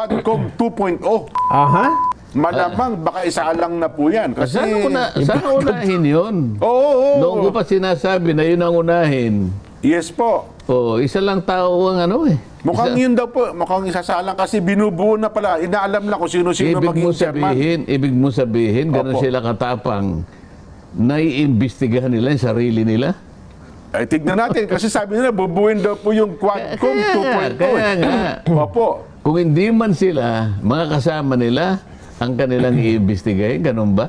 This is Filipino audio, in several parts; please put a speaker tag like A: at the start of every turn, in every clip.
A: Quadcom 2.0.
B: Aha.
A: Malamang baka isa lang na po yan. Kasi,
C: Sana unahin yun.
A: Oo.
C: Noong ko pa sinasabi na yun ang unahin.
A: Yes po.
C: Oh, isa lang tao ang ano eh.
A: Mukhang yun daw po. Mukhang isasalang kasi binubuo na pala. Inaalam lang kung sino-sino maging chairman.
C: Ibig mo sabihin, gano'n
A: Opo.
C: sila katapang, naiimbestigahan nila yung sarili nila?
A: Ay, tignan natin. Kasi sabi nila, bubuin daw po yung Quadcom 2.0.
C: Kaya nga.
A: Opo.
C: Kung hindi man sila, mga kasama nila, ang kanilang iimbestigahin, ganun ba?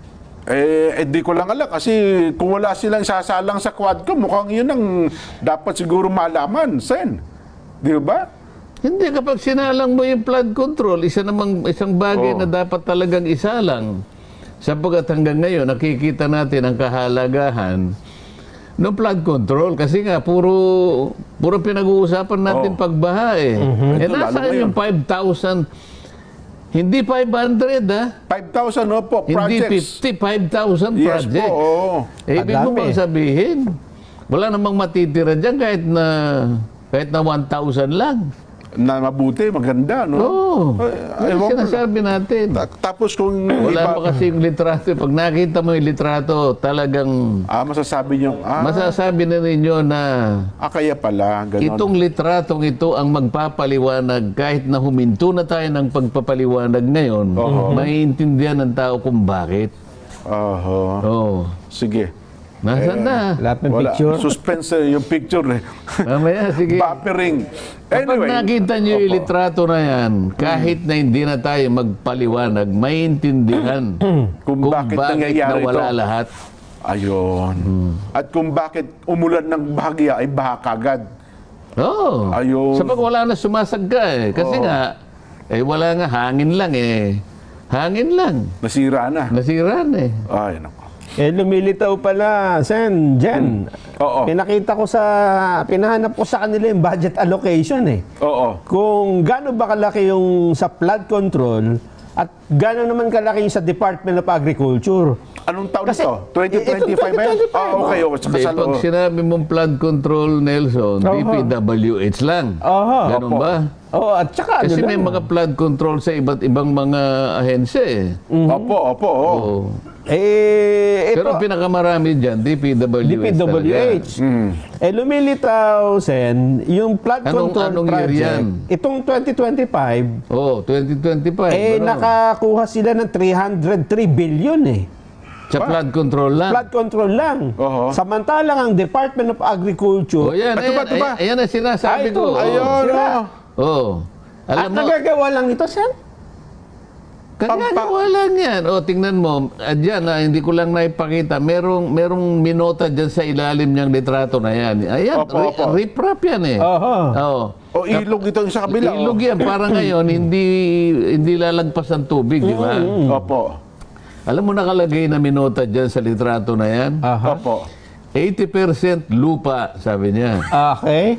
A: Di ko lang alam kasi kung wala silang sasalang sa Quadcom, mukhang yun ang dapat siguro malaman, Sen. Di ba?
C: Hindi, kapag sinalang mo yung flood control, isang bagay na dapat talagang isalang. Sapagkat hanggang ngayon, nakikita natin ang kahalagahan ng flood control. Kasi nga, puro pinag-uusapan natin pagbaha eh.
A: Ito, lalo
C: Nasaan
A: ngayon.
C: yung 5,000? Hindi 500 ha?
A: 5,000 po,
C: Hindi
A: projects.
C: 50, 5,000
A: Yes po,
C: projects.
A: oo.
C: Ibig mo
B: Madami.
C: bang sabihin, wala namang matitira dyan kahit na 1,000 lang.
A: Na mabuti, maganda, no?
C: Oo.
A: Ay,
C: Yan
A: ewan ko
C: sinasabi natin.
A: Tapos kung
C: Wala pa kasi yung litrato. Pag nakita mo yung litrato, talagang
A: masasabi nyo,
C: masasabi na ninyo na
A: kaya pala, gano'n.
C: itong litratong ito ang magpapaliwanag kahit na huminto na tayo ng pagpapaliwanag ngayon, maiintindihan ng tao kung bakit.
A: Oho.
C: Oh.
A: Sige.
C: Nasaan na?
B: Lahat ng
A: Wala.
B: picture.
A: Suspense yung picture eh.
C: Mamaya, sige.
A: Buffering.
C: Kapag
A: Anyway.
C: nakita nyo yung litrato na yan, kahit na hindi na tayo magpaliwanag, maintindihan
A: Kung bakit nangyayari
C: nawala
A: ito.
C: lahat.
A: Ayun. At kung bakit umulan ng bahagya ay baha kagad.
C: Oo.
A: Ayun.
C: Sapag wala na sumasagka eh. Kasi nga, wala nga, hangin lang eh. Hangin lang.
A: Nasira na.
C: Nasira na eh.
A: Ay, naku.
B: Lumilitaw pala, Sen, Jen.
A: Oo.
B: Pinahanap ko sa kanila yung budget allocation eh.
A: Oo.
B: Kung gaano ba kalaki yung sa flood control at gaano naman kalaki yung sa Department of Agriculture.
A: Anong taon
B: Kasi,
A: ito? 2025 ba yan?
B: 2025,
A: Okay. Saka
C: Hindi,
A: sa
C: pag sinabi mong flood control, Nelson, DPWH lang.
B: Aha.
C: Ganun
A: Opo.
C: ba?
B: Oo, at saka
C: Kasi
B: ano
C: may
B: lang.
C: mga flood control sa iba't ibang mga ahensya eh.
A: Opo. Oo.
C: Oo.
B: Ito,
C: Pero ang pinakamarami dyan, DPWH.
B: DPWH. Lumilitaw, Sen, yung flood control
C: anong year
B: project,
C: yan?
B: itong 2025,
C: Oo, 2025.
B: nakakuha sila ng 303 billion eh.
C: Sa flood control lang.
B: Flood control lang.
A: Oho.
B: Samantalang ang Department of Agriculture,
C: O yan,
A: Ito ba, ito ba?
C: ayan ang sinasabi
B: Ito,
C: ko.
A: Ayun.
B: Sila.
C: Oo.
B: at
C: Alam mo,
B: nagagawa lang ito, Sen?
C: kagagawa lang yan. O, tingnan mo, dyan, hindi ko lang naipakita, merong minota dyan sa ilalim niyang litrato na yan. Ayan,
A: Opo.
C: riprap yan eh.
B: Oho.
C: Oo.
A: O ilog ito yung sa kabila.
C: Ilog yan. Para ngayon, hindi lalagpas ng tubig, di ba?
A: Opo.
C: Alam mo nakalagay na minota dyan sa litrato na yan?
B: Aha.
A: Opo.
C: 80% lupa, sabi niya.
B: Okay.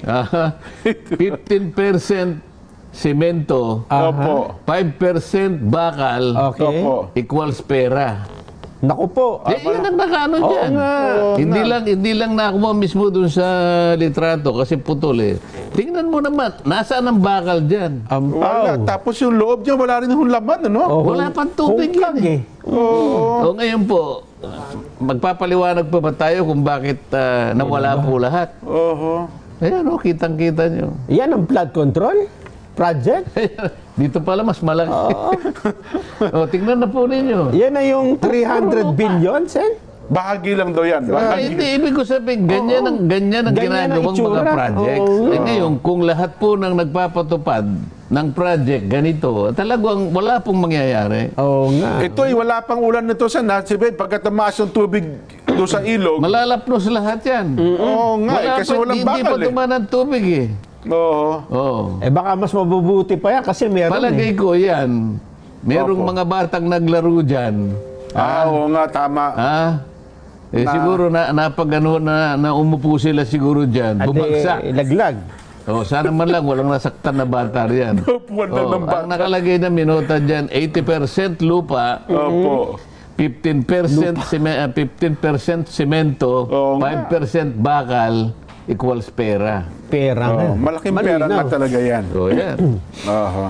C: 15% semento,
A: Opo.
C: 5% bakal,
B: Okay.
A: Opo.
C: equals pera.
B: Naku po.
C: Yan ang nakaano
B: Oo
C: dyan.
B: nga.
C: Hindi lang nakuha mismo dun sa litrato kasi putol eh. Tingnan mo naman, nasaan ang bakal dyan?
A: Wala.
B: Ampaw.
A: Tapos yung loob niya, wala rin yung laman, ano?
B: Oh,
C: Wala pang tubig yan
B: hungkag
C: eh. O ngayon po, magpapaliwanag pa ba tayo kung bakit nawala po lahat?
A: Oho.
C: Ayan o, kitang-kita nyo.
B: Yan ang flood control project.
C: Dito pala mas malaki. O, tingnan na po ninyo.
B: Yan na yung 300 billion, Sen.
A: Bahagi lang daw yan. Bahagi.
C: Hindi, ibig ko sabihin, ganyan ang
B: Ganyan ang
C: ginagawang mga
B: itsura.
C: projects.
B: Oo.
C: Ngayon, kung lahat po ng nagpapatupad ng project ganito, talagang wala pong mangyayari.
B: Oo nga.
A: Ito ay wala pang ulan nito sa Natsibet. Pagka tumaas yung tubig doon sa ilog.
C: Malalapnos lahat yan.
A: Oo nga, kasi walang
C: Hindi pa
A: bakal eh.
C: tumaan ang tubig eh.
A: Oo.
C: Oo.
B: Baka mas mabubuti pa yan kasi meron
C: Palagay ko yan. Merong
A: Opo.
C: mga batang naglaro dyan.
A: Oo nga, tama.
C: Siguro napagano na umupo sila siguro dyan. Bumagsak.
B: Laglag.
C: Sana man lang walang nasaktan na bata riyan.
A: Upuan lang ng bata.
C: Ang nakalagay na minota dyan, 80% lupa,
A: Opo.
C: 15% semento,
A: Oo nga.
C: 5% bakal, equals pera.
B: Pera nga.
A: Malaking pera na
B: Malinaw.
A: talaga yan.
C: So yan.
A: Aha.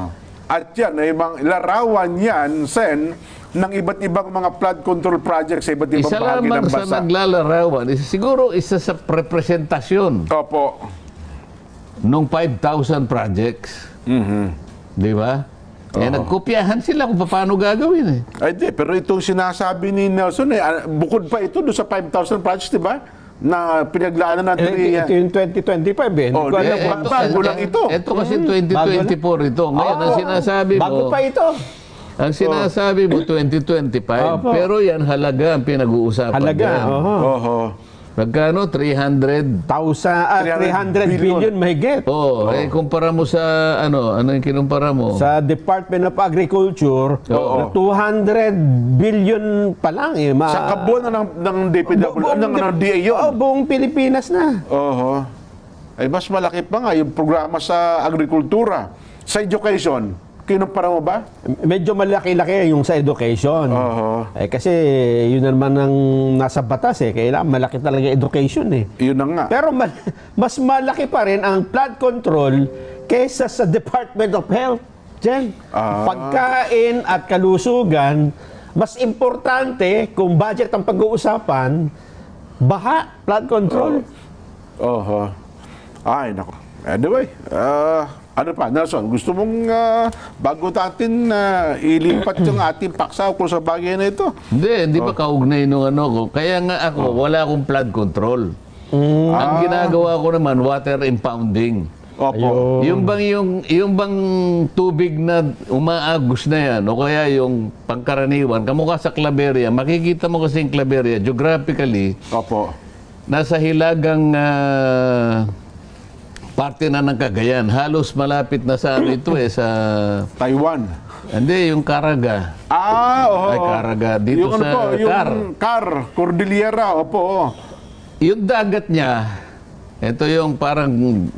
A: At yan, ay larawan yan, Sen, ng iba't ibang mga flood control projects sa iba't ibang
C: Isa
A: bahagi
C: lamang
A: ng
C: sa
A: bansa.
C: naglalarawan, siguro isa sa representasyon
A: Opo.
C: nung 5,000 projects. Di ba? Nagkopyahan sila kung paano gagawin eh.
A: Ay di, pero itong sinasabi ni Nelson, bukod pa ito doon sa 5,000 projects, di ba? Na pinaglaanan ng
B: Ito yung 2025 eh. Hindi
A: Oh,
B: ko alam
A: eh,
B: kung
A: bago lang ito.
C: Ito kasi 2024 ito. Ngayon, ang sinasabi mo,
B: bago pa ito.
C: ang sinasabi mo 2025,
B: Opo.
C: pero yan halaga ang pinag-uusapan
B: Halaga.
C: dyan.
A: Oho.
C: Magkano? 300.
B: 300 billion mahigit.
C: Kumpara mo sa ano yung kinumpara mo?
B: Sa Department of Agriculture,
A: Oo.
B: 200 billion pa lang eh.
A: Sa kabuuan na ng DPW, ng DA yun.
B: Buong Pilipinas na.
A: Oho. Ay, mas malaki pa nga yung programa sa agrikultura. Sa education, kinumpara mo ba?
B: Medyo malaki-laki yung sa education.
A: Oho.
B: Kasi yun naman ang nasa batas eh. Kailangan malaki talaga education eh.
A: Yun na nga.
B: Pero mas malaki pa rin ang flood control kaysa sa Department of Health. Diyan. Pagkain at kalusugan, mas importante kung budget ang pag-uusapan, baha, flood control.
A: Oho. Ay, nako. Anyway, ano pa, Nelson, gusto mong bago natin ilipat yung ating paksa kung sa bagay na ito?
C: Hindi ba kaugnay nung ano ko? Kaya nga ako, wala akong flood control. Ang ginagawa ko naman, water impounding.
A: Opo.
C: Yung bang tubig na umaagos na yan, o kaya yung pangkaraniwan, kamukha sa Claveria, makikita mo kasi yung Claveria, geographically,
A: Opo.
C: nasa hilagang parte na ng Cagayan. Halos malapit na sa ano ito sa...
A: Taiwan.
C: Hindi, yung Caraga.
A: Oho.
C: Ay, Caraga. Dito
A: yung
C: sa
A: ano po, yung
C: Car.
A: Cordillera, opo.
C: Yung dagat niya, ito yung parang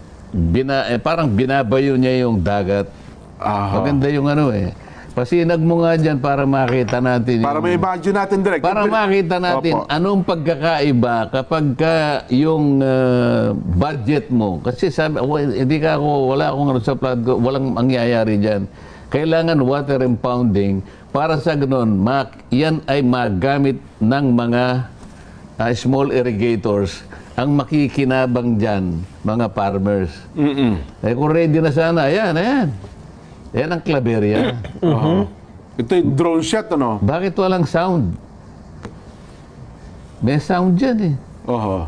C: binabayo niya yung dagat. Maganda yung ano eh. Pasinag mo nga dyan para makita natin.
A: Para may imagine natin direct.
C: Para makita natin
A: Opo.
C: anong pagkakaiba kapag yung budget mo. Kasi sabi, hindi ka ako, wala akong ano sa flood, walang mangyayari dyan. Kailangan water impounding para sa ganun, yan ay magamit ng mga small irrigators ang makikinabang dyan, mga farmers. Kung ready na sana, ayan. Yan ang Claveria.
A: Ito yung drone shot, ano?
C: Bakit walang sound? May sound dyan eh.
A: Oho.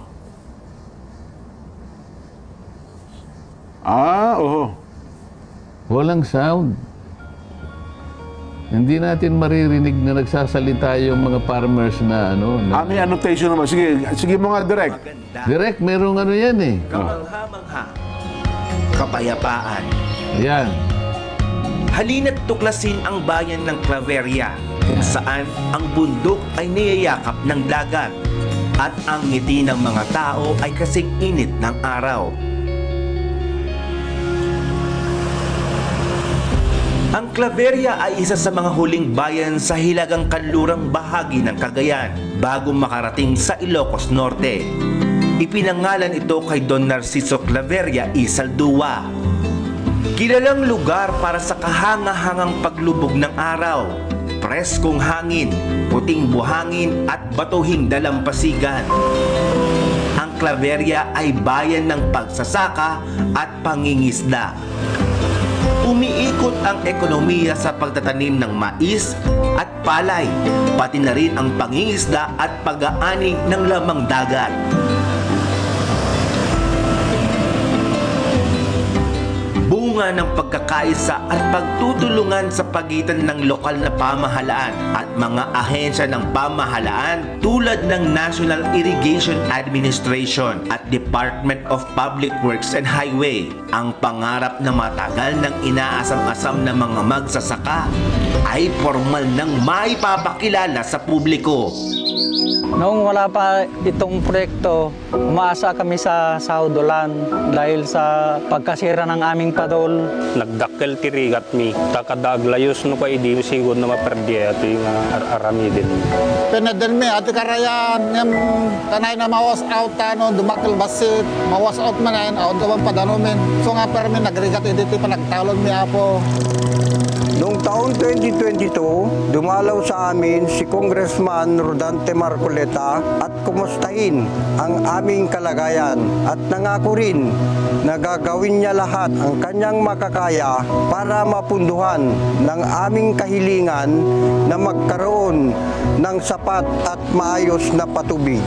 A: Oho.
C: Walang sound. Hindi natin maririnig na nagsasalita yung mga farmers na ano.
A: May annotation naman. Sige mga direct.
C: Direct, merong ano yan eh.
D: Kamangha-mangha. Kapayapaan.
C: Yan.
D: Halina't tuklasin ang bayan ng Claveria kung saan ang bundok ay niyayakap ng dagat at ang ngiti ng mga tao ay kasing init ng araw. Ang Claveria ay isa sa mga huling bayan sa hilagang kanlurang bahagi ng Cagayan bago makarating sa Ilocos Norte. Ipinangalan ito kay Don Narciso Claveria y Saldua. Kilalang lugar para sa kahanga-hangang paglubog ng araw, preskong hangin, puting buhangin at batuhing dalampasigan. Ang Claveria ay bayan ng pagsasaka at pangingisda. Umiikot ang ekonomiya sa pagtatanim ng mais at palay, pati na rin ang pangingisda at pag-aani ng lamang dagat. Bunga ng pagkakaisa at pagtutulungan sa pagitan ng lokal na pamahalaan at mga ahensya ng pamahalaan tulad ng National Irrigation Administration at Department of Public Works and Highway. Ang pangarap na matagal ng inaasam-asam ng mga magsasaka ay formal nang maipapakilala sa publiko.
E: Noong wala pa itong proyekto, umaasa kami sa Saudolan dahil sa pagkasira ng aming padol.
F: Nagdakkel tirigat mi, takadaglayos no pa idi sigod na maperdi at yung arami din.
G: Pinadin mi at karayan yung tanay na mawas out tano dumakil basit mawas out man ayon out naman padanumin so nga pero mi nagrigat editi pa nagtalon mi apo
H: Noong taong 2022, dumalaw sa amin si Congressman Rodante Marcoleta at kumustahin ang aming kalagayan at nangako rin na gagawin niya lahat ang kanyang makakaya para mapunduhan ng aming kahilingan na magkaroon ng sapat at maayos na patubig.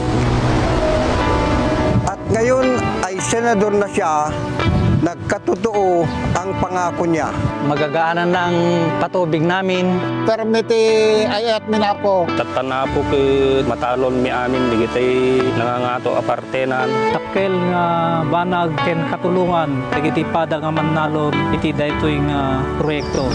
H: At ngayon ay senador na siya, nagkatotoo ang pangako niya.
E: Magagaanan ng patubig namin.
G: Permiti ayat minapo.
F: Tatana po ke matalon mi amin digitay nangangato apartenan.
I: Takkel nga banag ken katulungan dagiti pada nga mannalon iti daytoy nga proyekto.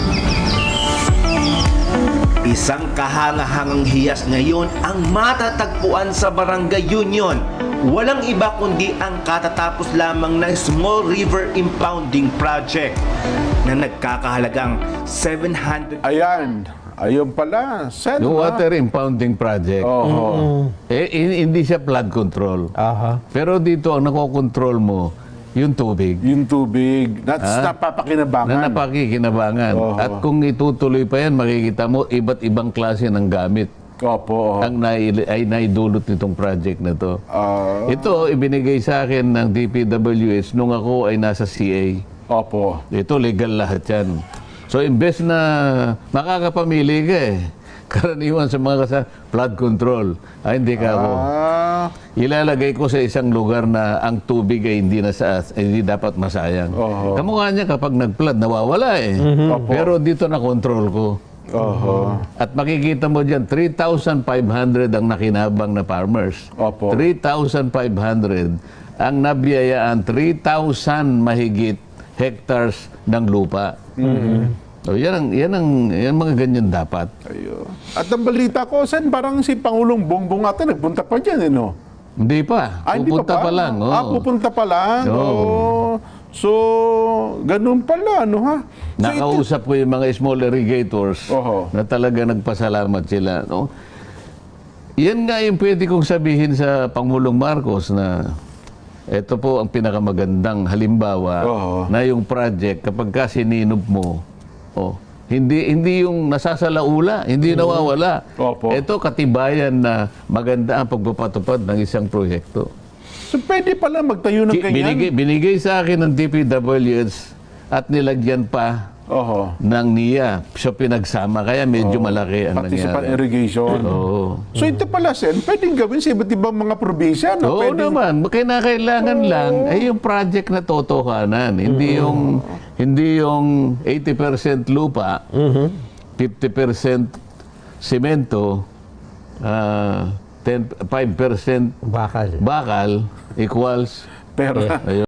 D: Isang kahangahangang hiyas ngayon ang matatagpuan sa Barangay Union. Walang iba kundi ang katatapos lamang na Small River Impounding Project na nagkakahalagang 700.
A: Ayan. Ayun pala. Sen,
C: Yung
A: ha?
C: water impounding project,
A: Oho.
C: hindi siya flood control.
B: Aha.
C: Pero dito, ang nakokontrol mo, yung tubig.
A: Yung tubig. That's napapakinabangan.
C: Na napakikinabangan.
A: Oho.
C: At kung itutuloy pa yan, makikita mo iba't ibang klase ng gamit
A: Opo.
C: ang ay naidulot nitong project na to. Ito, ibinigay sa akin ng DPWH nung ako ay nasa CA.
A: Opo.
C: Ito, legal lahat yan. So, imbes na makakapamili ka karaniwan sa mga flood control, hindi ka ako. Ilalagay ko sa isang lugar na ang tubig ay hindi dapat masayang.
A: Oho.
C: Kamukha niya kapag nag-flood, nawawala
A: Opo.
C: Pero dito na control ko.
A: Oho.
C: At makikita mo dyan, 3,500 ang nakinabang na farmers.
A: Opo.
C: 3,500 ang nabiyayaan, 3,000 mahigit hectares ng lupa. So, yan mga ganyan dapat.
A: Ayun. At ang balita ko, Sen, parang si Pangulong Bongbong ata nagpunta pa dyan, no?
C: Hindi pa.
A: Hindi
C: Pupunta pa lang.
A: pupunta pa lang.
C: Oo.
A: Oh. So, ganun pala, no ha? So,
C: Nakausap ko yung mga small irrigators
A: Oho.
C: na talaga nagpasalamat sila. No? Yan nga yung pwede kong sabihin sa Pangulong Marcos na ito po ang pinakamagandang halimbawa
A: Oho.
C: na yung project kapag ka sininob mo, hindi yung nasasalaula, hindi nawawala.
A: Opo.
C: Ito katibayan na maganda ang pagpapatupad ng isang proyekto.
A: So, pwede pala magtayo ng ganyan?
C: Binigay sa akin ng DPWH at nilagyan pa
A: Oho.
C: ng NIA. So pinagsama, kaya medyo malaki ang
A: Pati sa
C: nangyari.
A: pan-irrigation.
C: Oo.
A: So, ito pala, Sen, pwedeng gawin sa iba't ibang mga probinsya, no?
C: Oo naman, kinakailangan lang ay yung project na totohanan, hindi yung 80% lupa, 50% semento, 5%
B: Bakal.
C: bakal equals
A: Pera.
C: ayun.